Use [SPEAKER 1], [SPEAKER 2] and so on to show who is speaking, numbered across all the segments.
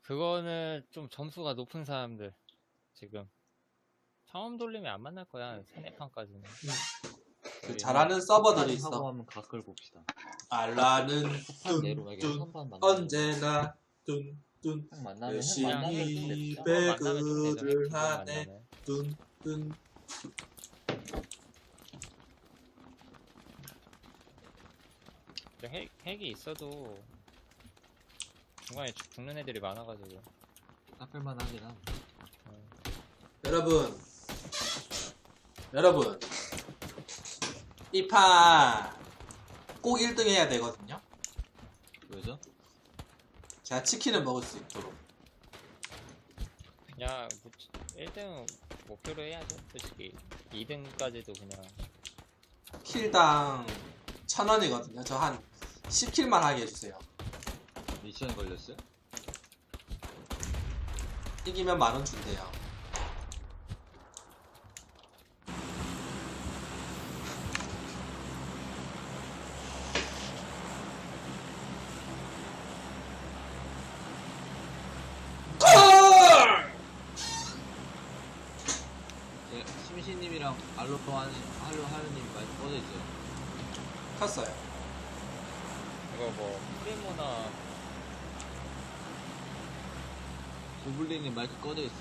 [SPEAKER 1] 그거는 좀 점수가 높은 사람들 지금 처음 돌리면 안 만날 거야. 3~4판까지는.
[SPEAKER 2] 그 잘하는 서버들이
[SPEAKER 3] 하고
[SPEAKER 2] 있어.
[SPEAKER 3] 하면 각을 봅시다.
[SPEAKER 2] 알라는
[SPEAKER 3] 판 내로 만약에
[SPEAKER 2] 뚠뚠
[SPEAKER 3] 선반 만나면
[SPEAKER 2] 언제나 뚠뚠
[SPEAKER 3] 딱 만나면
[SPEAKER 2] 열심히
[SPEAKER 1] 만나면 좀 되죠.
[SPEAKER 2] 배그를
[SPEAKER 1] 핵
[SPEAKER 2] 하네.
[SPEAKER 1] 만나면.
[SPEAKER 2] 뚠뚠.
[SPEAKER 1] 핵이 있어도 중간에 죽는 애들이 많아가지고.
[SPEAKER 3] 깎을만 하긴 함.
[SPEAKER 2] 여러분 이 판 꼭 1등 해야 되거든요.
[SPEAKER 3] 왜죠?
[SPEAKER 2] 제가 치킨을 먹을 수 있도록.
[SPEAKER 1] 그냥 1등 목표로 해야죠. 솔직히 2등까지도 그냥
[SPEAKER 2] 킬당 1,000원이거든요. 저 한 10킬만 하게 해주세요.
[SPEAKER 3] 미션 걸렸어요?
[SPEAKER 2] 이기면 10,000원 준대요.
[SPEAKER 3] 심시님이랑 하루님이 많이 꺼져 있어요.
[SPEAKER 2] 컸어요.
[SPEAKER 1] 이거 뭐 프리모나
[SPEAKER 3] 고블린님 마이크 꺼져 있어.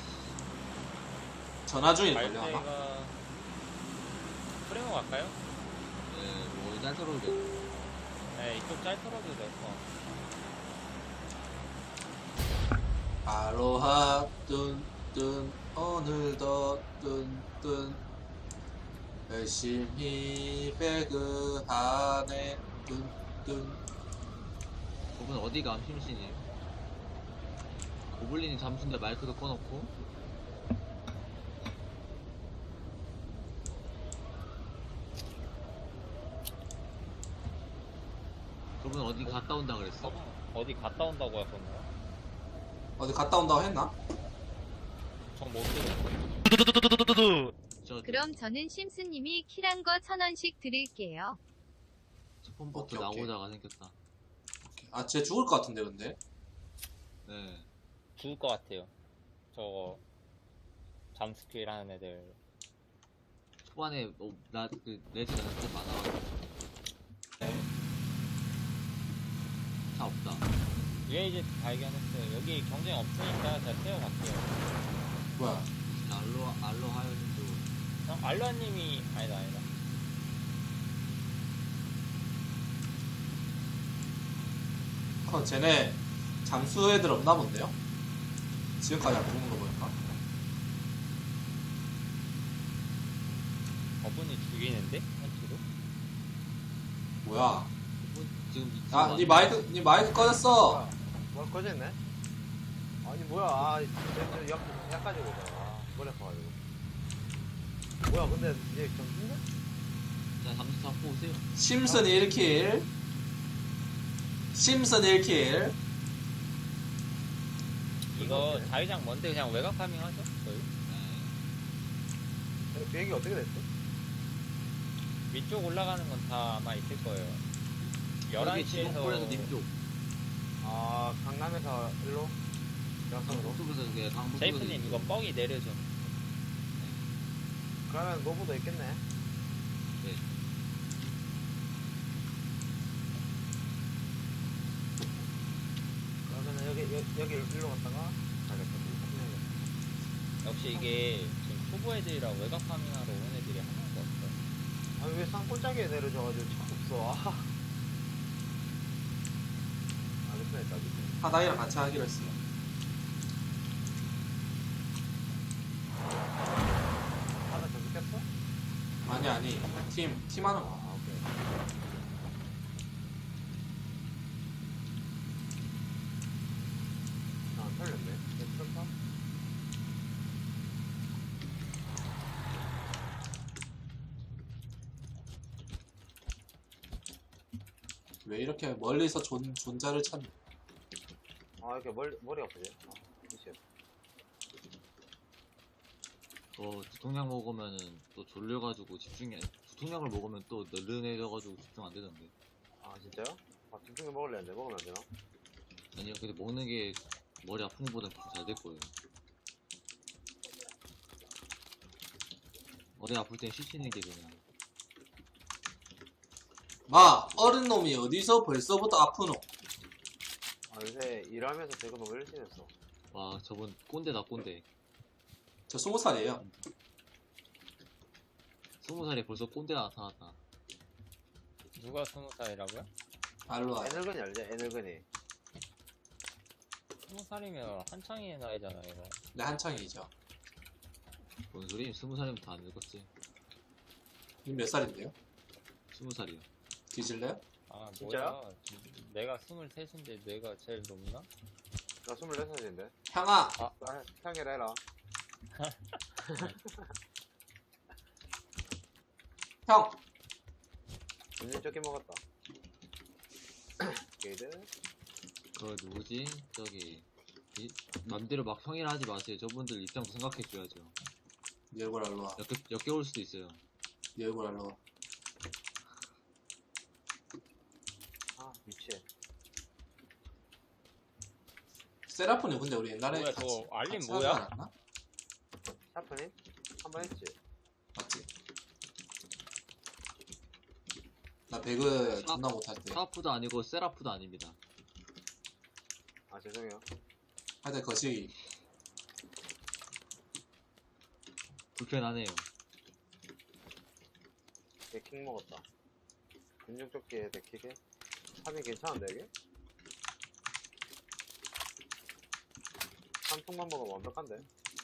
[SPEAKER 2] 전화 중일걸요 아마?
[SPEAKER 1] 말대가 프리모 갈까요?
[SPEAKER 3] 네, 뭐 짤터로 돼.
[SPEAKER 1] 네, 이쪽 짤터로도 될 거.
[SPEAKER 2] 아로하 뚠뚠 오늘도 뚠뚠 열심히 배그하네 뚠뚠.
[SPEAKER 3] 그분 어디 감 심시님? 고블린이 잠수인데 마이크도 꺼놓고. 그분 어디 갔다 온다 그랬어?
[SPEAKER 1] 어디 갔다 온다고 했었나요?
[SPEAKER 2] 어디 갔다 온다고 했나?
[SPEAKER 1] 전못 들었어요.
[SPEAKER 4] 그럼 저는 심스님이 킬한 거 1,000원씩 드릴게요.
[SPEAKER 3] 첫 번부터
[SPEAKER 2] 오케이, 오케이.
[SPEAKER 3] 나오다가 생겼다.
[SPEAKER 2] 아 쟤 죽을 것 같은데 근데?
[SPEAKER 3] 네.
[SPEAKER 1] 죽을 것 같아요. 저거 잠스킬 하는 애들.
[SPEAKER 3] 초반에 레지 나한테 많아가지고.
[SPEAKER 2] 네.
[SPEAKER 3] 차 없다.
[SPEAKER 1] UAG 발견했어요. 여기 경쟁 없으니까 제가 태워갈게요.
[SPEAKER 2] 뭐야?
[SPEAKER 3] 알로 하연님도
[SPEAKER 1] 알로아님이 아니다.
[SPEAKER 2] 쟤네 잠수 애들 없나 본데요? 지금까지 안 죽는 거 보니까.
[SPEAKER 1] 저분이 죽이는데? 한치로?
[SPEAKER 2] 뭐야?
[SPEAKER 3] 그분 지금
[SPEAKER 2] 아, 니 마이크 꺼졌어.
[SPEAKER 5] 뭐 꺼졌네? 아니 뭐야? 아, 약까지 오잖아. 머리 아파가지고. 뭐야? 근데 이제 좀 힘들?
[SPEAKER 3] 자 잠수 잡고 오세요.
[SPEAKER 2] 심슨 1킬. 심슨 1킬.
[SPEAKER 1] 이거 자위장 뭔데 그냥 외곽 파밍 하죠? 저희?
[SPEAKER 3] 네.
[SPEAKER 5] 비행기 어떻게 됐어?
[SPEAKER 1] 위쪽 올라가는 건 다 아마 있을 거예요.
[SPEAKER 3] 여기 지목골에서
[SPEAKER 1] 11시에서
[SPEAKER 3] 님쪽.
[SPEAKER 5] 아, 강남에서 일로? 양산으로?
[SPEAKER 3] 강북쪽에서 그게 강북쪽에서.
[SPEAKER 1] 제이프님 이거 뻥이 내려줘.
[SPEAKER 5] 그러면 노부도 있겠네.
[SPEAKER 3] 네.
[SPEAKER 5] 그러면은 여기 일로 갔다가 가겠다.
[SPEAKER 1] 역시 이게 지금 초보 애들이라 외곽 파밍하러 온 애들이 하나도 없어.
[SPEAKER 5] 아니 왜 산골짜기에 내려줘가지고 차 없어? 아. 알겠어, 일단.
[SPEAKER 2] 하나이랑 같이 하기로 했어요.
[SPEAKER 5] 하나 더 느꼈어?
[SPEAKER 2] 아니 팀 하는 거.
[SPEAKER 5] 아, 오케이. 안 털렸네. 괜찮다?
[SPEAKER 2] 왜 이렇게 멀리서 존자를 찾니?
[SPEAKER 5] 아, 이렇게 머리 아프지? 아, 그치.
[SPEAKER 3] 두통약 먹으면은 또 졸려가지고 두통약을 먹으면 또 느른해져가지고 집중 안 되던데.
[SPEAKER 5] 아, 진짜요? 아, 집중해 먹을래 했는데 먹으면 안 되나?
[SPEAKER 3] 아니요, 근데 먹는 게 머리 아픈 것보다 잘 됐거든. 머리 아플 땐 쉬시는 게 그냥.
[SPEAKER 2] 마 어른 놈이 어디서 벌써부터 아프노?
[SPEAKER 5] 아, 요새 일하면서 제가 너무 열심했어.
[SPEAKER 3] 와, 저분 꼰대다, 꼰대.
[SPEAKER 2] 저 20살이에요.
[SPEAKER 3] 20살에 벌써 꼰대가 나타났다.
[SPEAKER 1] 누가 20살이라고요?
[SPEAKER 2] 알로
[SPEAKER 5] 애늙은이 알지? 애늙은이.
[SPEAKER 1] 20살이면 한창의 나이잖아요. 이거.
[SPEAKER 2] 네, 한창이죠.
[SPEAKER 3] 뭔 소리? 20살이면 다 안 늙었지.
[SPEAKER 2] 님 몇 살인데요?
[SPEAKER 3] 20살이요.
[SPEAKER 2] 뒤질래요?
[SPEAKER 1] 아
[SPEAKER 5] 진짜요?
[SPEAKER 1] 뭐야? 내가 23인데 내가 제일 높나?
[SPEAKER 5] 나 24살인데.
[SPEAKER 2] 향아
[SPEAKER 5] 아, 형이라 해라.
[SPEAKER 2] 형
[SPEAKER 5] 완전 적게 먹었다. 게이드.
[SPEAKER 3] 그 누구지? 저기 맘대로 막 형이라 하지 마세요. 저분들 입장도 생각해줘야죠.
[SPEAKER 2] 네 얼굴 알로 와.
[SPEAKER 3] 역겨울 수도 있어요.
[SPEAKER 2] 네 얼굴 알로 와.
[SPEAKER 5] 아, 미치해.
[SPEAKER 2] 세라프님 근데 우리 옛날에
[SPEAKER 1] 뭐야,
[SPEAKER 2] 같이
[SPEAKER 1] 저거 알림
[SPEAKER 2] 같이
[SPEAKER 1] 뭐야?
[SPEAKER 2] 하지 않았나?
[SPEAKER 5] 샤프님? 한 번 했지?
[SPEAKER 2] 맞지? 나 배그 존나 못할 때
[SPEAKER 3] 사프도 아니고 세라프도 아닙니다.
[SPEAKER 5] 아, 죄송해요.
[SPEAKER 2] 하여튼 거시기
[SPEAKER 3] 불편하네요.
[SPEAKER 5] 데킥 먹었다. 근육조끼에 데킥에? 탑이 괜찮은데, 이게? 한 통만 먹으면 완벽한데?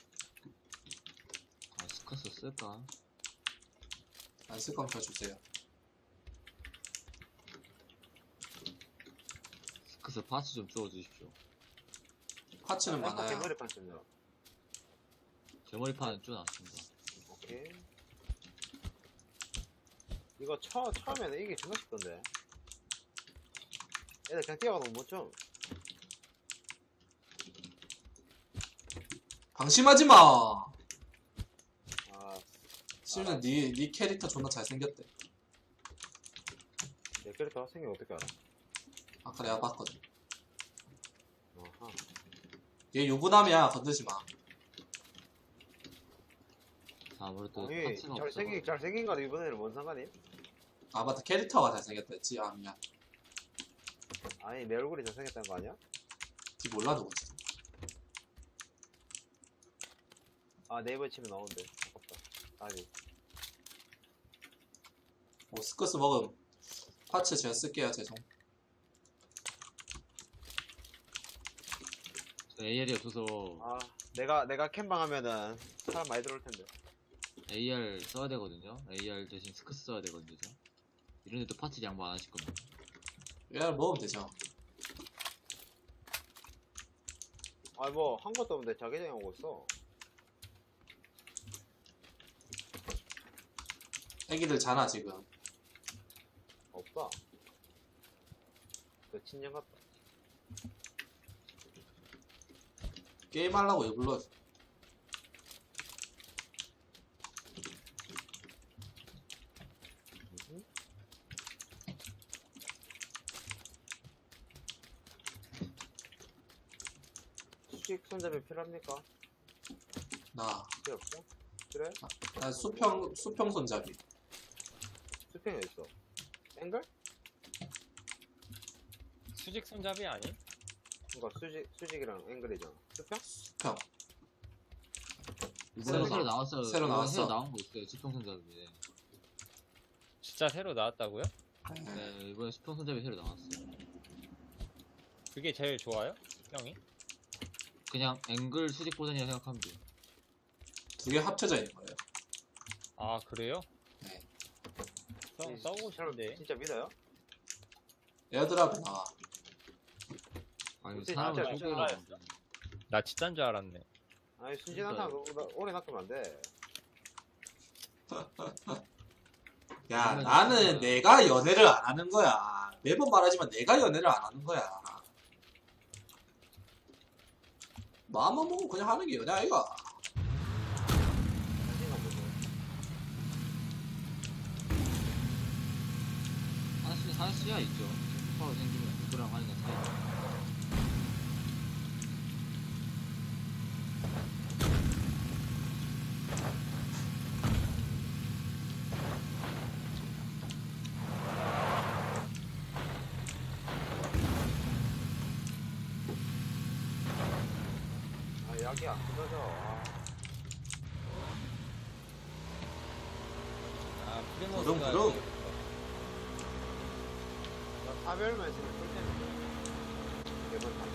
[SPEAKER 3] 아, 스커스 쓸까?
[SPEAKER 2] 안 쓸 거면 저 주세요.
[SPEAKER 3] 스커스 파츠 좀 주워주십시오.
[SPEAKER 2] 파츠는 많아요.
[SPEAKER 5] 개머리판 쓴다.
[SPEAKER 3] 제 머리판은 좀 아쉽습니다.
[SPEAKER 5] 오케이. 이거 처음에는 이게 정말 쉽던데. 애들 그냥 뛰어가도 못 쳐.
[SPEAKER 2] 방심하지 마.
[SPEAKER 5] 아,
[SPEAKER 2] 심지어 네 캐릭터 존나 잘생겼대.
[SPEAKER 5] 내 캐릭터 생긴 어떻게 알아?
[SPEAKER 2] 아까 내가 봤거든.
[SPEAKER 5] 어하.
[SPEAKER 2] 얘 유부남이야. 건드지 마.
[SPEAKER 3] 자, 아무래도
[SPEAKER 5] 아니,
[SPEAKER 3] 파츠가 없어.
[SPEAKER 5] 잘생긴 거는 이번에는 뭔 상관이?
[SPEAKER 2] 아 맞다. 캐릭터가 잘생겼다 했지. 아 미안.
[SPEAKER 5] 아니, 내 얼굴이 잘생겼다는 거 아니야?
[SPEAKER 2] 뒤 몰라 누구지.
[SPEAKER 5] 아, 네이버에 치면 나오는데. 아깝다. 아니.
[SPEAKER 2] 뭐 스커스 먹음. 파츠 제가 쓸게요. 죄송.
[SPEAKER 3] 저 AR이 없어서
[SPEAKER 5] 아, 내가 캠방 하면은 사람 많이 들어올 텐데.
[SPEAKER 3] AR 써야 되거든요. AR 대신 스커스 써야 되거든요. 저. 이런데도 파츠 양보 안 하실 겁니다.
[SPEAKER 2] 얘를 먹으면 되죠.
[SPEAKER 5] 아, 뭐, 한 것도 없는데 자기장이 오고 있어.
[SPEAKER 2] 애기들 자나 지금.
[SPEAKER 5] 없다. 그 친년 같다.
[SPEAKER 2] 게임하려고 일불러.
[SPEAKER 5] 수직 손잡이 필요합니까?
[SPEAKER 2] 나
[SPEAKER 5] 필요 없어? 그래?
[SPEAKER 2] 난 수평 손잡이.
[SPEAKER 5] 수평이 있어. 앵글?
[SPEAKER 1] 수직 손잡이 아니?
[SPEAKER 5] 그니까 수직이랑 앵글이잖아. 수평?
[SPEAKER 2] 수평.
[SPEAKER 3] 이번에 새로 나왔어요.
[SPEAKER 2] 새로
[SPEAKER 3] 이번에
[SPEAKER 2] 나왔어.
[SPEAKER 3] 새로 나온 거 있어요. 수평손잡이.
[SPEAKER 1] 진짜 새로 나왔다고요?
[SPEAKER 3] 네, 이번에 수평손잡이 새로 나왔어요.
[SPEAKER 1] 그게 제일 좋아요? 형이?
[SPEAKER 3] 그냥 앵글 수직 버전이라 생각하면 돼요.
[SPEAKER 2] 두 개 합쳐져 있는 거예요.
[SPEAKER 1] 아 그래요?
[SPEAKER 2] 네.
[SPEAKER 1] 써보고 싶은데.
[SPEAKER 5] 진짜 믿어요?
[SPEAKER 2] 에어드랍에 나와.
[SPEAKER 3] 아니,
[SPEAKER 5] 그치,
[SPEAKER 3] 사람을
[SPEAKER 5] 진짜
[SPEAKER 3] 속여가
[SPEAKER 1] 나 진짜인 줄 알았네.
[SPEAKER 5] 아니, 순진한 사람 오래 낚으면 안 돼.
[SPEAKER 2] 야
[SPEAKER 3] 그러면
[SPEAKER 2] 나는
[SPEAKER 3] 진짜-
[SPEAKER 2] 내가 연애를 안 하는 거야. 매번 말하지만 내가 연애를 안 하는 거야. 마음만 먹으면 그냥 하는 게 연애 아이가.
[SPEAKER 5] 자신감 보고.
[SPEAKER 3] 한수야 있죠. 똑바로 생기면 누구랑 하는 게 차이.
[SPEAKER 5] 약이 안 끊어져.
[SPEAKER 1] 아, 프리모스가
[SPEAKER 2] 부릉부릉.
[SPEAKER 5] 나 사별만 있으면 꿀템인데. 매번 다.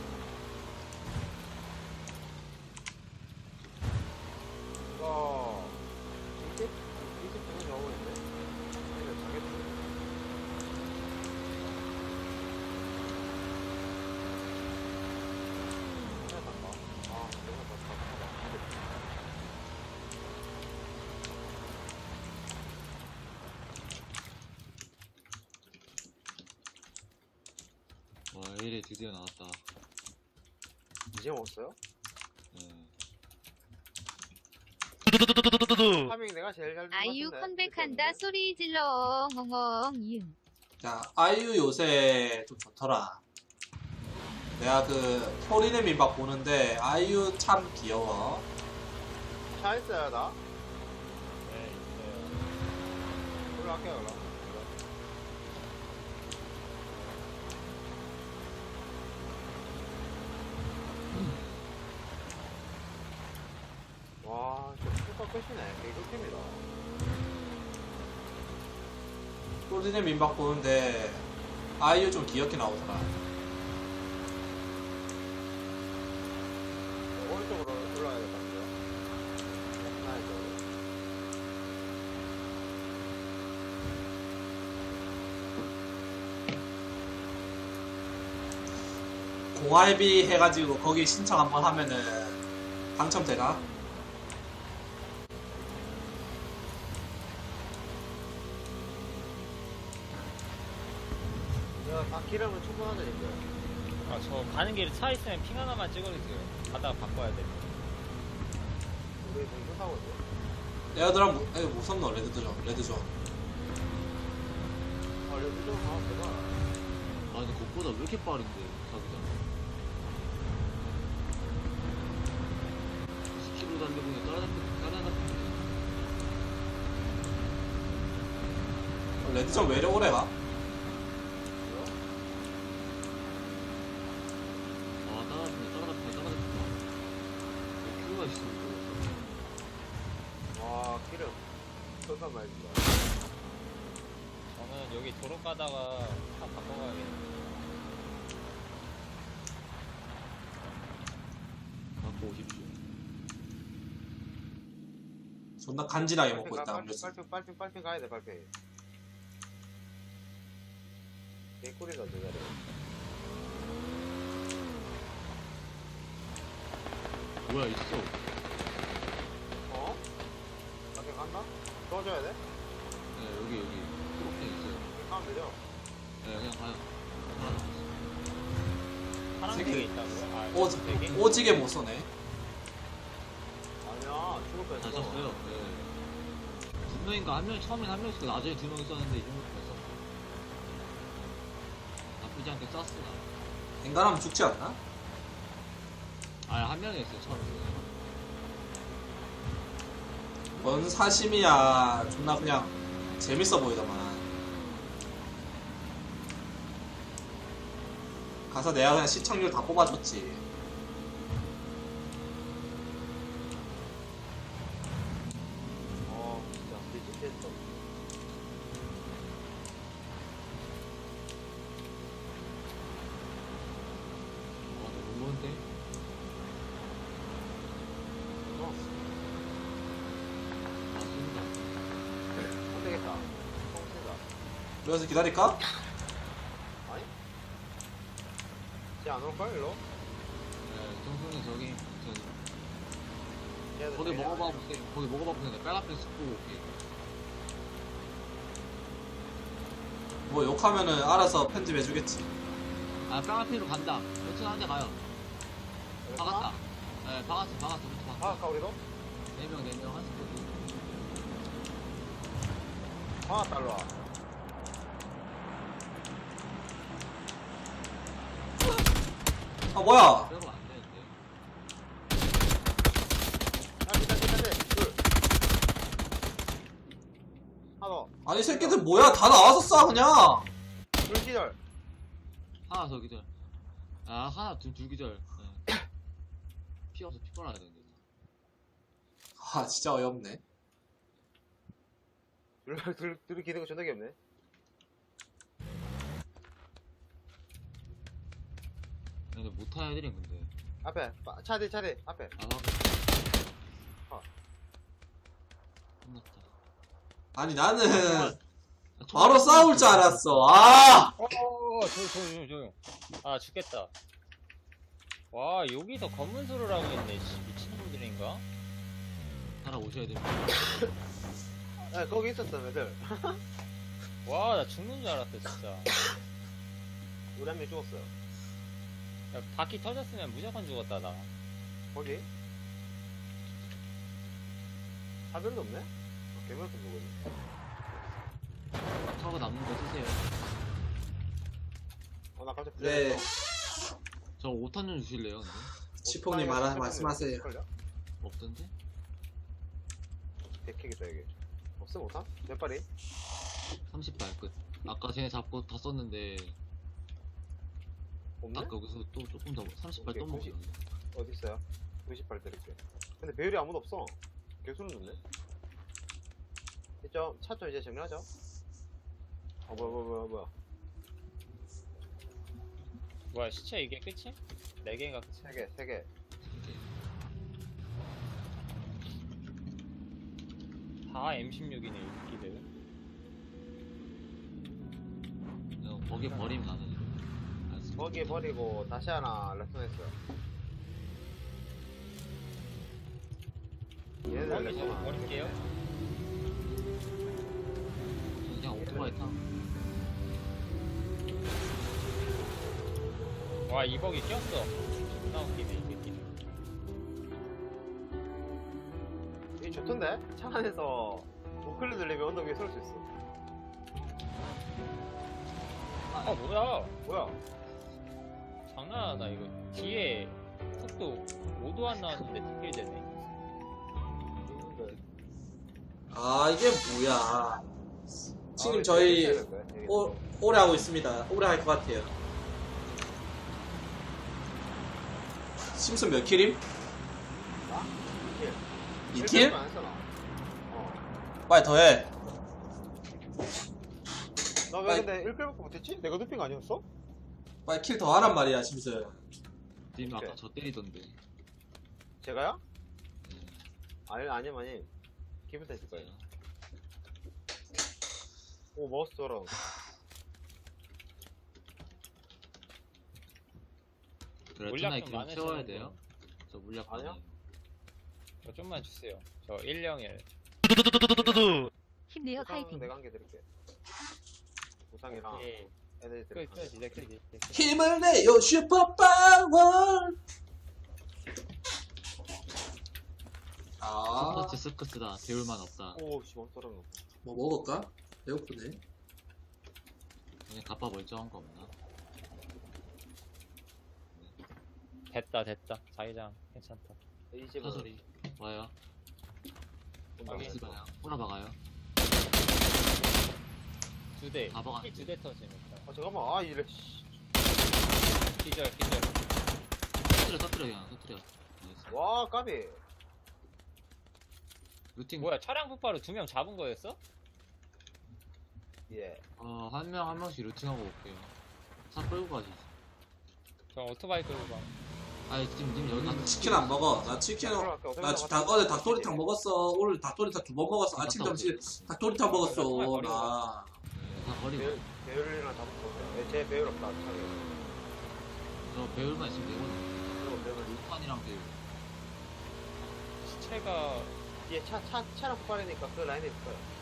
[SPEAKER 5] 이거 이집 두개 나오고 있네. 이거 자겠지. 아, 내가 더 잘하다.
[SPEAKER 3] 와, A일에 드디어 나왔다.
[SPEAKER 5] 이제 먹었어요?
[SPEAKER 3] 예.
[SPEAKER 5] 파밍 내가 제일 잘
[SPEAKER 4] 아이유
[SPEAKER 5] 같은데.
[SPEAKER 4] 컴백한다 소리 질러 엉엉 이응.
[SPEAKER 2] 야, 아이유 요새 좀 좋더라. 내가 그 토리네 민박 보는데 아이유 참 귀여워.
[SPEAKER 5] 차 있어요, 나?
[SPEAKER 1] 네, 있어요.
[SPEAKER 5] 올라갈게요, 그럼. 와, 진짜 super 끝이네. 개꿀팀이다.
[SPEAKER 2] 토리네 민박 보는데 아이유 좀 귀엽게 나오더라.
[SPEAKER 5] 오른쪽으로 올라가야 될 것 같아요. 하나 이쪽으로.
[SPEAKER 2] 공알비 해가지고 거기 신청 한번 하면은 당첨되나?
[SPEAKER 5] 야, 다 기름은 충분하다니까.
[SPEAKER 1] 아, 저 가는 길에 차 있으면 핑 하나만 찍어주세요. 가다가 바꿔야 돼.
[SPEAKER 5] 우리 무슨 사고지?
[SPEAKER 2] 얘들아, 무섭노, 레드존.
[SPEAKER 5] 아, 여기 좀 가면 되나?
[SPEAKER 3] 아, 근데 그것보다 왜 이렇게 빠른데, 자기장. 10km 달려보니 따라잡히네.
[SPEAKER 2] 레드존 왜 이래 오래 가?
[SPEAKER 3] 아, 따라잡힌다. 큐가 있어, 이거.
[SPEAKER 5] 와, 기름. 설탕 많이 준다.
[SPEAKER 1] 저는 여기 도로 가다가 차 바꿔가야겠네.
[SPEAKER 3] 갖고 오십시오.
[SPEAKER 2] 존나 간지나게 먹고 있다.
[SPEAKER 5] 빨핑 가야 돼, 빨핑. 개꿀이다, 저 자리.
[SPEAKER 3] 뭐야, 있어.
[SPEAKER 5] 어? 빨핑 간다? 도와줘야 돼?
[SPEAKER 3] 네, 여기. 초록색 있어요.
[SPEAKER 5] 가면 되죠?
[SPEAKER 3] 네, 그냥 가요.
[SPEAKER 1] 파란색이
[SPEAKER 2] 새끼.
[SPEAKER 1] 있다고요? 아, 되게?
[SPEAKER 2] 오지게 못 쏘네.
[SPEAKER 5] 아니야, 죽을 뻔했어.
[SPEAKER 3] 잘 쐈어요. 네. 두 명인가 한 명, 처음엔 한 명 있었고, 나중에 두 명 있었는데, 이 정도 됐어. 나쁘지 않게 쐈어, 나.
[SPEAKER 2] 인간하면 죽지 않나?
[SPEAKER 3] 아, 한 명이었어요, 처음에.
[SPEAKER 2] 뭔 사심이야. 존나 그냥 재밌어 보이더만. 가서 내가 그냥 시청률 다 뽑아줬지.
[SPEAKER 5] 진짜 미치겠어.
[SPEAKER 3] 너무 먼데? 맞습니다.
[SPEAKER 5] 안 되겠다. 통치다.
[SPEAKER 2] 그래서 기다릴까?
[SPEAKER 5] 아니? 쟤안 올걸, 일로?
[SPEAKER 3] 네, 정수는 저기,
[SPEAKER 5] 쟤는
[SPEAKER 3] 거기
[SPEAKER 5] 내일
[SPEAKER 3] 먹어봐
[SPEAKER 5] 아니야.
[SPEAKER 3] 보세요. 거기 먹어봐 보세요. 빨간색 습고 올게.
[SPEAKER 2] 뭐 욕하면은 알아서 편집해주겠지.
[SPEAKER 3] 아, 빨간색으로 간다. 여튼 한대 가요.
[SPEAKER 5] 여기
[SPEAKER 3] 박았다.
[SPEAKER 5] 가?
[SPEAKER 3] 네, 박았어. 부터 박았어.
[SPEAKER 5] 박을까, 우리도?
[SPEAKER 3] 4명, 한 스쿼드.
[SPEAKER 5] 박았다, 일로 와.
[SPEAKER 2] 아, 뭐야?
[SPEAKER 3] 빼고 안 되는데.
[SPEAKER 5] 둘. 하나 더.
[SPEAKER 2] 아니, 새끼들 뭐야? 다 나와서 쏴, 그냥.
[SPEAKER 5] 둘 기절.
[SPEAKER 3] 하나 더 기절. 아, 하나, 둘 기절. 네. 피어서 피 빨아야 되는데.
[SPEAKER 2] 아 진짜 어이없네.
[SPEAKER 5] 둘이 기대가 존나 귀엽네.
[SPEAKER 3] 근데 못타야 애들이 근데.
[SPEAKER 5] 앞에 차대 앞에.
[SPEAKER 3] 아,
[SPEAKER 5] 아.
[SPEAKER 3] 끝났다.
[SPEAKER 2] 아니 나는
[SPEAKER 3] 아,
[SPEAKER 2] 바로 싸울 줄 알았어. 아
[SPEAKER 1] 조용. 아, 죽겠다. 와, 여기서 검문소를 하고 있네, 씨. 미친놈들인가?
[SPEAKER 3] 살아오셔야 됩니다.
[SPEAKER 5] 야, 거기 있었어 애들.
[SPEAKER 1] 와, 나 죽는 줄 알았어, 진짜.
[SPEAKER 5] 우리 한 명 죽었어요.
[SPEAKER 1] 야, 바퀴 터졌으면 무조건 죽었다, 나.
[SPEAKER 5] 거기? 차별도 없네? 개별도 누구 있네.
[SPEAKER 3] 차고 남는 거 쓰세요.
[SPEAKER 5] 나 갑자기
[SPEAKER 2] 네.
[SPEAKER 3] 저 5탄 좀 주실래요, 근데?
[SPEAKER 2] 치폭님 말씀하세요.
[SPEAKER 3] 없던데?
[SPEAKER 5] 백킥이다 이게. 없어 못하? 몇 발이?
[SPEAKER 3] 30발 끝. 아까 쟤네 잡고 다 썼는데,
[SPEAKER 5] 없네?
[SPEAKER 3] 딱 여기서 또 조금 더, 30발
[SPEAKER 5] 오케이,
[SPEAKER 3] 또 먹어요.
[SPEAKER 5] 어디 있어요? 90발 드릴게. 근데 배율이 아무도 없어. 개수는 좋네. 이쪽 차 좀 이제 정리하죠. 뭐야.
[SPEAKER 1] 뭐야, 시체 이게 끝이? 4개인가 끝이?
[SPEAKER 5] 3개.
[SPEAKER 1] 다 M16이네, 이 새끼들.
[SPEAKER 3] 그냥 거기 버리면 나는 이거. 알았어.
[SPEAKER 5] 거기 버리고 다시 하나 레슨했어요. 얘네들
[SPEAKER 1] 거기
[SPEAKER 5] 레슨
[SPEAKER 1] 좀
[SPEAKER 5] 안
[SPEAKER 1] 버릴게요.
[SPEAKER 3] 저는 그냥 오토바이 타.
[SPEAKER 1] 와, 이 버기 꼈어. 존나 웃기네, 이 새끼들.
[SPEAKER 5] 이게 좋던데? 차 안에서 우클리 들리면 언덕 위에 설 수 있어.
[SPEAKER 1] 아, 뭐야.
[SPEAKER 5] 뭐야?
[SPEAKER 1] 장난하나, 이거. 뒤에 속도 5도 안 나왔는데 뒷길 되네.
[SPEAKER 2] 아 이게 뭐야. 지금 저희 오래 하고 있습니다. 오래 할 것 같아요. 심슨 몇 킬임? 2킬?
[SPEAKER 5] 안 했어, 나.
[SPEAKER 2] 빨리 더해.
[SPEAKER 5] 나 왜 근데 1킬밖에 못했지? 내가 눕힌 거 아니었어?
[SPEAKER 2] 빨리 킬 더 하란 말이야 심슨.
[SPEAKER 3] 님 아까
[SPEAKER 5] 오케이.
[SPEAKER 3] 저 때리던데.
[SPEAKER 5] 제가요?
[SPEAKER 3] 네.
[SPEAKER 5] 아니. 기분 탓일 거예요. 오, 마우스 돌아.
[SPEAKER 3] 그래,
[SPEAKER 1] 물약
[SPEAKER 3] 투나이
[SPEAKER 1] 좀
[SPEAKER 3] 기름
[SPEAKER 1] 많으시는
[SPEAKER 3] 채워야
[SPEAKER 1] 분.
[SPEAKER 3] 돼요. 저 물약
[SPEAKER 5] 아니요?
[SPEAKER 3] 많아요.
[SPEAKER 1] 저 좀만 주세요. 저 101.
[SPEAKER 4] 힘내요
[SPEAKER 5] 보상
[SPEAKER 4] 파이팅.
[SPEAKER 5] 내가 한 개 드릴게. 보상이랑
[SPEAKER 1] 오케이.
[SPEAKER 5] 애들
[SPEAKER 1] 끝,
[SPEAKER 5] 드릴게.
[SPEAKER 1] 이제 끝.
[SPEAKER 2] 힘을 내요 슈퍼파워. 아,
[SPEAKER 3] 스커스다. 배울만 없다.
[SPEAKER 5] 오, 씨, 멈 떨어져.
[SPEAKER 2] 뭐 먹을까? 배고프네.
[SPEAKER 3] 그냥 갑바 멀쩡한 거 없나?
[SPEAKER 1] 됐다. 자기장 괜찮다.
[SPEAKER 5] 이 집은
[SPEAKER 3] 차소리 와요.
[SPEAKER 1] 여기.
[SPEAKER 3] 스바야. 꼬라박아요.
[SPEAKER 1] 2대.
[SPEAKER 3] 다 박아.
[SPEAKER 1] 2대 터지니까.
[SPEAKER 5] 잠깐만. 아, 이래. 씨.
[SPEAKER 1] 기절.
[SPEAKER 3] 터뜨려 그냥 터뜨려. 나이스.
[SPEAKER 5] 와, 까비.
[SPEAKER 3] 루팅.
[SPEAKER 1] 뭐야, 차량 폭발로 2명 잡은 거였어?
[SPEAKER 5] 예.
[SPEAKER 3] 한 명씩 루팅하고 올게요. 차 끌고 가지.
[SPEAKER 1] 저 오토바이 끌고 가.
[SPEAKER 3] 아니 지금 님 여기 가서
[SPEAKER 2] 치킨 안 먹어. 나 치킨 어제 닭도리탕 먹었어. 오늘 닭도리탕 2번 먹었어. 아침 점심 닭도리탕 먹었어. 나.
[SPEAKER 3] 다 버리고.
[SPEAKER 5] 배율이랑 잡고. 제 배율 없다. 차게.
[SPEAKER 3] 저 배울만 있으면 되거든.
[SPEAKER 5] 그리고 배율.
[SPEAKER 3] 루탄이랑 배울.
[SPEAKER 1] 시체가
[SPEAKER 5] 뒤에 차랑 폭발이니까 그 라인에 있어요.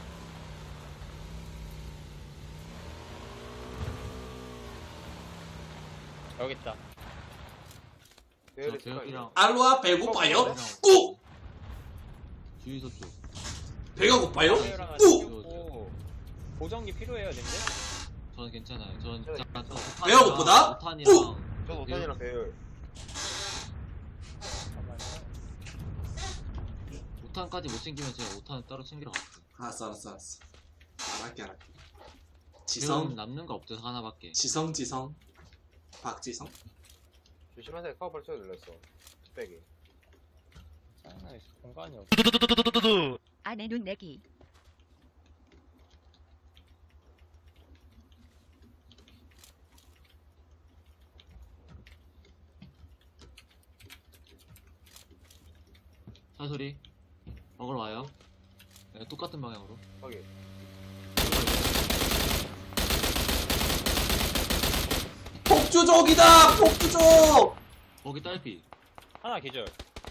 [SPEAKER 1] 여기 있다.
[SPEAKER 5] 배율이
[SPEAKER 3] 저 배율이랑
[SPEAKER 2] 알로아 배고파요? 꾹!
[SPEAKER 3] 주유소 쪽.
[SPEAKER 2] 배가 고파요?
[SPEAKER 1] 배율 하나
[SPEAKER 2] 꾹!
[SPEAKER 1] 챙겼고. 보정기 필요해요, 님들?
[SPEAKER 3] 저는 괜찮아요. 저는
[SPEAKER 5] 저-
[SPEAKER 3] 진짜
[SPEAKER 2] 배가 고프다?
[SPEAKER 3] 루탄이랑
[SPEAKER 5] 저도 5탄이랑 배율.
[SPEAKER 1] 잠깐만요.
[SPEAKER 3] 5탄까지 못 챙기면 제가 5탄 따로 챙기러 갈게요.
[SPEAKER 2] 알았어. 알았게.
[SPEAKER 3] 배율
[SPEAKER 2] 지성,
[SPEAKER 3] 남는 거 없죠 하나밖에.
[SPEAKER 2] 지성. 박지성.
[SPEAKER 5] 조심하세요. 카우팔 소리 들렸어. 뚝배기.
[SPEAKER 1] 짜증나 공간이 없어.
[SPEAKER 4] 안에 눈 내기.
[SPEAKER 3] 차 소리. 먹으러 와요. 네, 똑같은 방향으로.
[SPEAKER 5] 거기.
[SPEAKER 2] 폭주족이다! 폭주족!
[SPEAKER 3] 거기 딸피.
[SPEAKER 1] 하나 기절.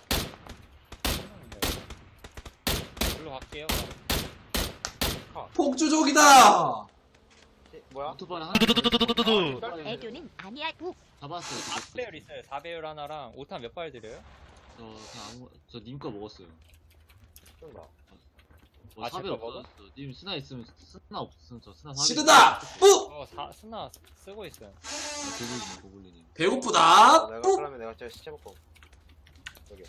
[SPEAKER 1] 일로 갈게요.
[SPEAKER 2] 폭주족이다!
[SPEAKER 5] 뭐야?
[SPEAKER 3] 오토바이 하나.
[SPEAKER 4] 애교는 아니야. 우.
[SPEAKER 3] 잡았어요.
[SPEAKER 1] 4배율 있어요. 4배율 하나랑 5탄 몇 발 드려요?
[SPEAKER 3] 저 그냥 저 님 거 먹었어요.
[SPEAKER 5] 쏜다.
[SPEAKER 3] 뭐
[SPEAKER 1] 아,
[SPEAKER 3] 사배
[SPEAKER 1] 제거 먹어?
[SPEAKER 3] 없었어. 님 스나 있으면 스나 없으면 저 스나 사배.
[SPEAKER 2] 시드다! 뿌!
[SPEAKER 1] 스나 쓰고 있어요.
[SPEAKER 3] 고블리님.
[SPEAKER 2] 배고프다!
[SPEAKER 5] 내가
[SPEAKER 2] 뿌!
[SPEAKER 5] 그러면 내가 저 시체 먹고. 여기.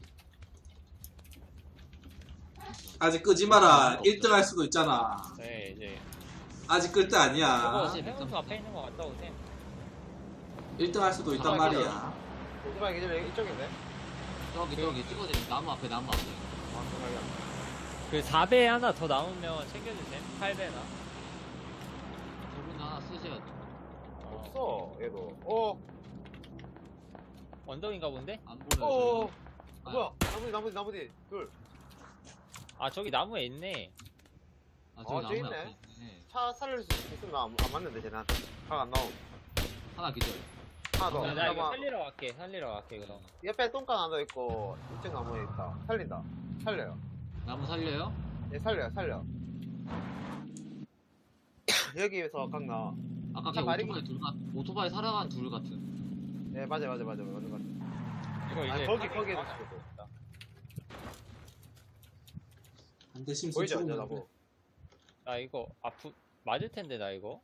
[SPEAKER 2] 아직 끄지 마라. 1등 할 수도 있잖아.
[SPEAKER 1] 네, 이제.
[SPEAKER 2] 아직 끌 때 아니야.
[SPEAKER 1] 저거 해운수 앞에 있는 거 같다, 오세요.
[SPEAKER 2] 1등 할 수도 있단 말이야.
[SPEAKER 5] 오토바이 기절 이쪽인데?
[SPEAKER 3] 저기 찍어드림. 나무 앞에.
[SPEAKER 5] 아, 오토바이야.
[SPEAKER 1] 그 4배 하나 더 남으면 챙겨주세요. 8배나.
[SPEAKER 3] 저분 하나 쓰셔야 돼.
[SPEAKER 5] 없어, 얘도.
[SPEAKER 1] 언덕인가 본데?
[SPEAKER 3] 안 보여요.
[SPEAKER 5] 어.
[SPEAKER 3] 아,
[SPEAKER 5] 뭐야? 나머지. 둘.
[SPEAKER 1] 아, 저기 나무에 있네.
[SPEAKER 3] 아, 저기
[SPEAKER 5] 저기
[SPEAKER 3] 나무
[SPEAKER 5] 있네.
[SPEAKER 3] 앞에 있네.
[SPEAKER 5] 차 살릴 수 있으면 안 맞는데, 쟤한테. 안 나옴.
[SPEAKER 3] 하나 기절.
[SPEAKER 5] 하나 더.
[SPEAKER 3] 어,
[SPEAKER 1] 나 이거
[SPEAKER 5] 하나만.
[SPEAKER 1] 살리러 갈게, 그럼.
[SPEAKER 5] 옆에 똥간 하나 있고, 이쪽 나무에 있다. 살린다. 살려요.
[SPEAKER 3] 나무 살려요?
[SPEAKER 5] 얘 살려. 여기에서 각 나와.
[SPEAKER 3] 아까
[SPEAKER 5] 차
[SPEAKER 3] 걔
[SPEAKER 5] 마리기.
[SPEAKER 3] 오토바이 살아간 둘 같은.
[SPEAKER 5] 예, 맞아.
[SPEAKER 1] 이거
[SPEAKER 5] 아,
[SPEAKER 1] 이제.
[SPEAKER 5] 거기에도
[SPEAKER 1] 파밍
[SPEAKER 5] 치고.
[SPEAKER 2] 한대 심슨
[SPEAKER 5] 보이죠,
[SPEAKER 2] 죽으면
[SPEAKER 5] 나무.
[SPEAKER 2] 돼.
[SPEAKER 1] 나 이거 맞을 텐데, 나 이거.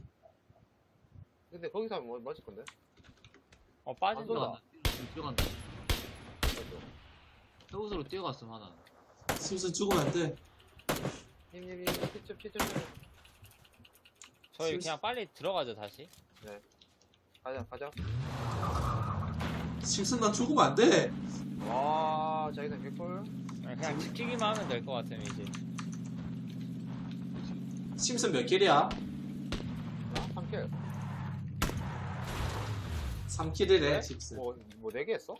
[SPEAKER 5] 근데 거기서 하면 맞을 건데?
[SPEAKER 1] 빠진다.
[SPEAKER 5] 쏜다.
[SPEAKER 3] 뛰어간다. 해우소로 뛰어갔음 하나.
[SPEAKER 2] 심슨 죽으면 안 돼.
[SPEAKER 5] 힘. 피점.
[SPEAKER 1] 저희 그냥 빨리 들어가죠, 다시.
[SPEAKER 5] 가자.
[SPEAKER 2] 심슨 난 죽으면 안 돼.
[SPEAKER 5] 와, 자기장 개꿀.
[SPEAKER 1] 그냥 지키기만 하면 될 것 같으면 이제.
[SPEAKER 2] 심슨 몇 킬이야?
[SPEAKER 5] 3킬.
[SPEAKER 2] 3킬이래, 심슨.
[SPEAKER 5] 뭐 4개 했어?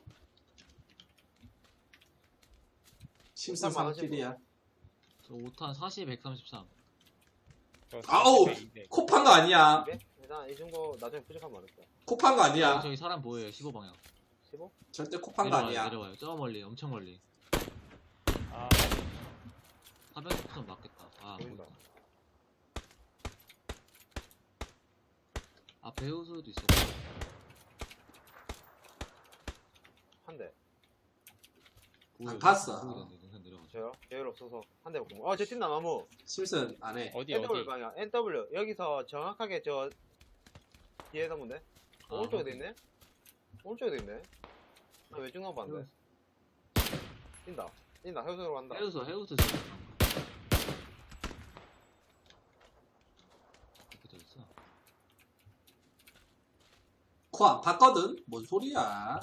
[SPEAKER 2] 심슨
[SPEAKER 5] 일단
[SPEAKER 2] 3킬이야.
[SPEAKER 3] 저 5탄 40, 133.
[SPEAKER 2] 아우!
[SPEAKER 1] 네.
[SPEAKER 2] 코판 거 아니야.
[SPEAKER 5] 200? 일단 이 정도 나중에 부족하면 말했다.
[SPEAKER 2] 코판 거 아니야.
[SPEAKER 3] 저기 사람 보여요. 15방향.
[SPEAKER 5] 15?
[SPEAKER 2] 절대 코판 거 아니야.
[SPEAKER 3] 내려와요. 저 멀리, 엄청 멀리.
[SPEAKER 1] 아,
[SPEAKER 3] 400점 맞겠다. 아,
[SPEAKER 5] 보인다.
[SPEAKER 3] 보인다. 앞에 해우소도 있어.
[SPEAKER 5] 한 대.
[SPEAKER 2] 안 봤어.
[SPEAKER 3] 능선 내려가죠.
[SPEAKER 5] 저요? 여유 없어서 한 대 먹고. 쟤 뛴다, 나무.
[SPEAKER 2] 심슨 안 해.
[SPEAKER 1] 어디,
[SPEAKER 5] NW
[SPEAKER 1] 어디.
[SPEAKER 5] 방향. NW. 여기서 정확하게 저 뒤에 나무인데?
[SPEAKER 3] 아,
[SPEAKER 5] 오른쪽에도
[SPEAKER 3] 확인.
[SPEAKER 5] 있네? 오른쪽에도 있네? 나 왼쪽 나무 봤는데? 뛴다. 해우소로 간다.
[SPEAKER 3] 해우소 지금. 이렇게 돼 있어.
[SPEAKER 2] 코 안 팠거든? 뭔 소리야.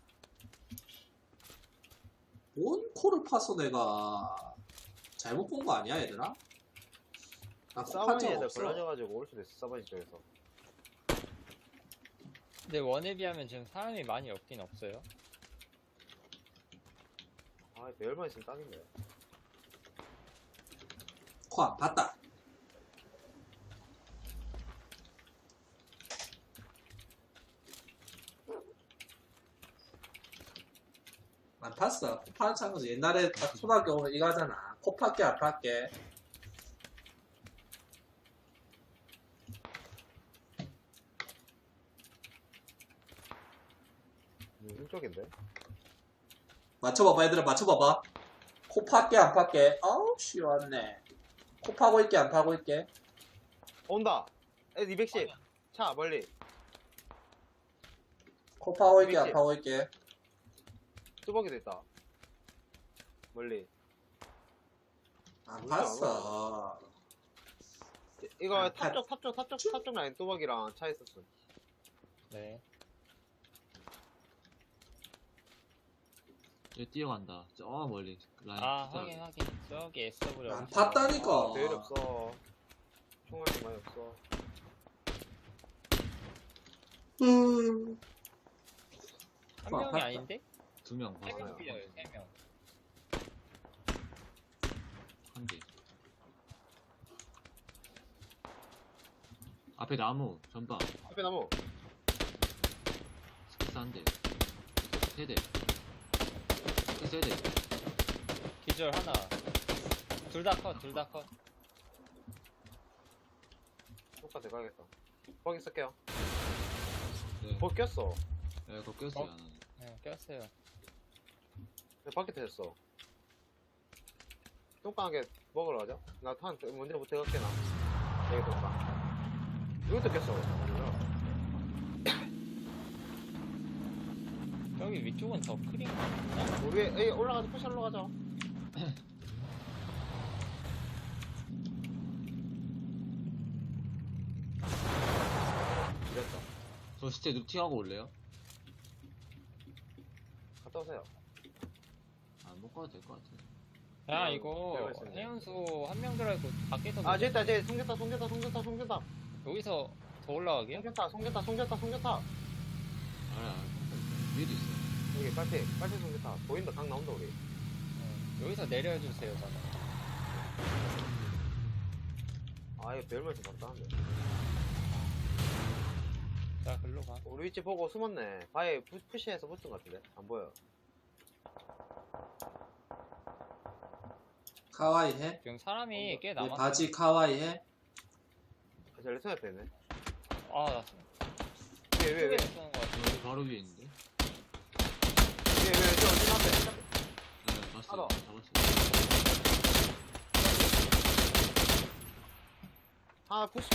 [SPEAKER 2] 뭔 코를 팠어, 내가. 잘못 본 거 아니야, 얘들아? 나코
[SPEAKER 5] 사바니
[SPEAKER 2] 팠적
[SPEAKER 5] 애들
[SPEAKER 2] 없어.
[SPEAKER 5] 걸러져가지고 올 수도 있어, 사바니 쪽에서.
[SPEAKER 1] 근데 원에 비하면 지금 사람이 많이 없긴 없어요.
[SPEAKER 5] 아, 배열만 있으면 딱인데.
[SPEAKER 2] 코 안 팠다. 안 팠어. 코 파는 창은 옛날에 딱 초등학교 오면 이거 하잖아. 코 팠게 안 팠게.
[SPEAKER 5] 이쪽인데?
[SPEAKER 2] 맞춰봐봐, 얘들아, 맞춰봐봐. 코 팠게 안 팠게. 아우, 시원해. 코 파고 있게 안 파고 있게.
[SPEAKER 5] 온다! 애 210. 차, 멀리.
[SPEAKER 2] 코 파고 있게 안
[SPEAKER 5] 미치.
[SPEAKER 2] 파고 있게.
[SPEAKER 5] 뚜벅이도 있다. 멀리.
[SPEAKER 2] 안
[SPEAKER 5] 뭐야,
[SPEAKER 2] 팠어.
[SPEAKER 5] 이거
[SPEAKER 2] 아,
[SPEAKER 5] 탑쪽 라인 뚜벅이랑 차 있었어.
[SPEAKER 1] 네.
[SPEAKER 3] 얘 뛰어간다. 저 멀리 라인.
[SPEAKER 1] 아,
[SPEAKER 3] 숫자하게.
[SPEAKER 1] 확인. 저기 SW.
[SPEAKER 2] 안 탔다니까.
[SPEAKER 5] 아, 배율이 없어. 총알이 많이 없어.
[SPEAKER 1] 한 명이 아닌데?
[SPEAKER 3] 2명
[SPEAKER 1] 세
[SPEAKER 3] 봤어요.
[SPEAKER 1] 명 뛰어요, 3명.
[SPEAKER 3] 한 대. 앞에 나무 전방
[SPEAKER 5] 앞에 나무.
[SPEAKER 3] 스키스 한 대. 세 대. 스키스 세 대.
[SPEAKER 1] 기절 하나. 둘 다 컷, 둘 다 컷.
[SPEAKER 5] 똑같아, 가야겠다. 거기 쓸게요.
[SPEAKER 3] 네.
[SPEAKER 5] 거기 꼈어.
[SPEAKER 3] 네, 그거 꼈어요.
[SPEAKER 1] 어?
[SPEAKER 3] 하나는.
[SPEAKER 1] 네, 꼈어요.
[SPEAKER 5] 내 밖에 터졌어. 똥강하게 먹으러 가자. 나 탄 먼저 부터 갈게, 나. 여기 똥강. 이것도 꼈어.
[SPEAKER 1] 저기 위쪽은 더 크린 거 같나?
[SPEAKER 5] 우리, 에이, 올라가자, 푸시 올라가자. 이랬다.
[SPEAKER 3] 저 시체 루팅하고 올래요?
[SPEAKER 5] 갔다 오세요.
[SPEAKER 3] 아, 못 가도 될 것 같아.
[SPEAKER 1] 야,
[SPEAKER 5] 어,
[SPEAKER 1] 이거
[SPEAKER 5] 내가 있었네.
[SPEAKER 1] 해운수 한 명 들어있고 밖에서
[SPEAKER 5] 아, 저기 있다, 저기 송겼다.
[SPEAKER 1] 여기서 더 올라가게요?
[SPEAKER 5] 송겼다.
[SPEAKER 3] 알아, 알아. 위에도 있어.
[SPEAKER 5] 여기 빨리 송겼다. 보인다, 강 나온다, 우리.
[SPEAKER 1] 여기서 내려주세요, 저는.
[SPEAKER 5] 아, 이거 별말씀 답답한데.
[SPEAKER 1] 자, 글로 가.
[SPEAKER 5] 우리 위치 보고 숨었네. 바에 푸시해서 붙은 것 같은데? 안 보여.
[SPEAKER 2] 카와이 해?
[SPEAKER 1] 지금 사람이 꽤
[SPEAKER 2] 내
[SPEAKER 1] 남았어.
[SPEAKER 2] 바지 카와이 해?
[SPEAKER 5] 저 레슨 앞에 있네.
[SPEAKER 1] 아,
[SPEAKER 5] 왜?
[SPEAKER 1] 쏘는 거 같아.
[SPEAKER 3] 여기 바로 위에 있는데?
[SPEAKER 5] 저 어디 앞에?
[SPEAKER 3] 네, 봤어요.
[SPEAKER 5] 알아.
[SPEAKER 3] 잡았어요.
[SPEAKER 5] 아, 푸시.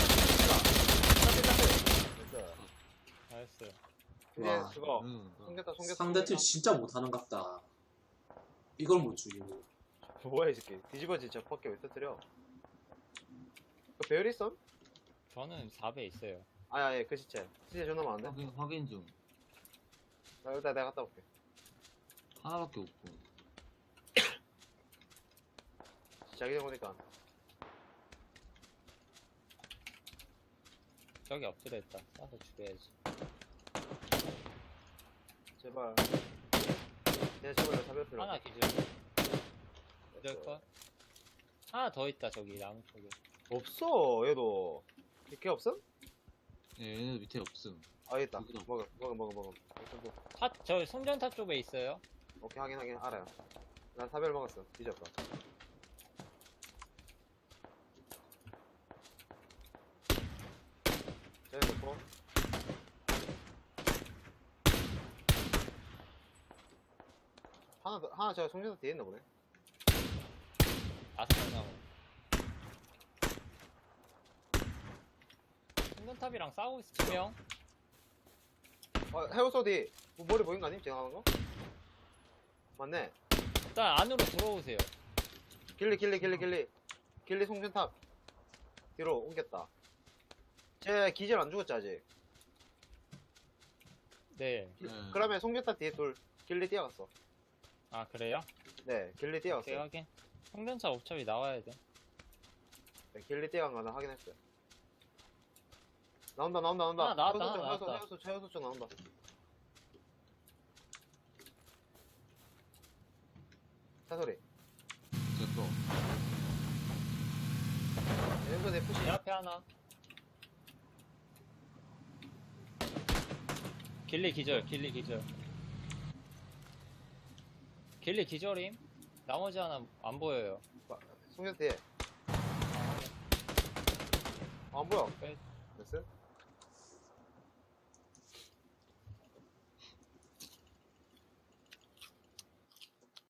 [SPEAKER 5] 됐어.
[SPEAKER 1] 알았어요.
[SPEAKER 5] 이제
[SPEAKER 2] 와.
[SPEAKER 5] 그거.
[SPEAKER 3] 응,
[SPEAKER 5] 송겼다.
[SPEAKER 2] 상대팀 진짜 못하는갑다. 이걸 못 죽이고.
[SPEAKER 5] 뭐야, 이 새끼. 뒤집어진 저 밖에 왜 터뜨려? 그 배율 있어?
[SPEAKER 1] 저는 4배 있어요.
[SPEAKER 5] 아, 예, 그 시체. 시체 존나 많은데?
[SPEAKER 3] 확인 중.
[SPEAKER 5] 나 일단 내가 갔다 올게.
[SPEAKER 3] 하나밖에 없고.
[SPEAKER 5] 자기 전 보니까.
[SPEAKER 1] 저기 엎드려 있다. 쏴서 죽여야지.
[SPEAKER 5] 제발. 내 제발 잡을 필요
[SPEAKER 1] 하나
[SPEAKER 5] 없어.
[SPEAKER 1] 기절. 기절 컷. 하나 더 있다, 저기 나무 쪽에.
[SPEAKER 5] 없어, 얘도. 이렇게 없어?
[SPEAKER 3] 예, 얘네 밑에 없음.
[SPEAKER 5] 아, 있다.
[SPEAKER 3] 여기도.
[SPEAKER 5] 먹어.
[SPEAKER 1] 저 송전탑 쪽에 있어요.
[SPEAKER 5] 오케이, 확인. 알아요. 난 사별 먹었어. 뒤졌다. 저기 놓고. 하나 저 송전탑 뒤에 있나 보네.
[SPEAKER 1] 5명 남은. 송전탑이랑 싸우고 있어, 2명.
[SPEAKER 5] 해오소 뒤. 뭐 머리 보인 거 아님? 지나가는 거? 맞네.
[SPEAKER 1] 일단 안으로 들어오세요.
[SPEAKER 5] 길리 송전탑. 뒤로 옮겼다. 쟤 기절 안 죽었지, 아직?
[SPEAKER 1] 네.
[SPEAKER 3] 네.
[SPEAKER 5] 그러면 송전탑 뒤에 둘. 길리 뛰어갔어.
[SPEAKER 1] 아, 그래요?
[SPEAKER 5] 네, 길리 뛰어갔어.
[SPEAKER 1] 오케이, 확인. 송전탑 어차피 나와야 돼.
[SPEAKER 5] 네, 길리 뛰어간 거는 확인했어요. 나온다.
[SPEAKER 1] 하나 나왔다.
[SPEAKER 5] 해우소 쪽 나온다. 사소리.
[SPEAKER 3] 제 거.
[SPEAKER 5] 해우소 내 푸시.
[SPEAKER 1] 내 앞에 하나. 길리 기절. 길리 기절임? 나머지 하나 안 보여요.
[SPEAKER 5] 송전 뒤에. 안 보여.
[SPEAKER 1] 끝.
[SPEAKER 5] 됐어?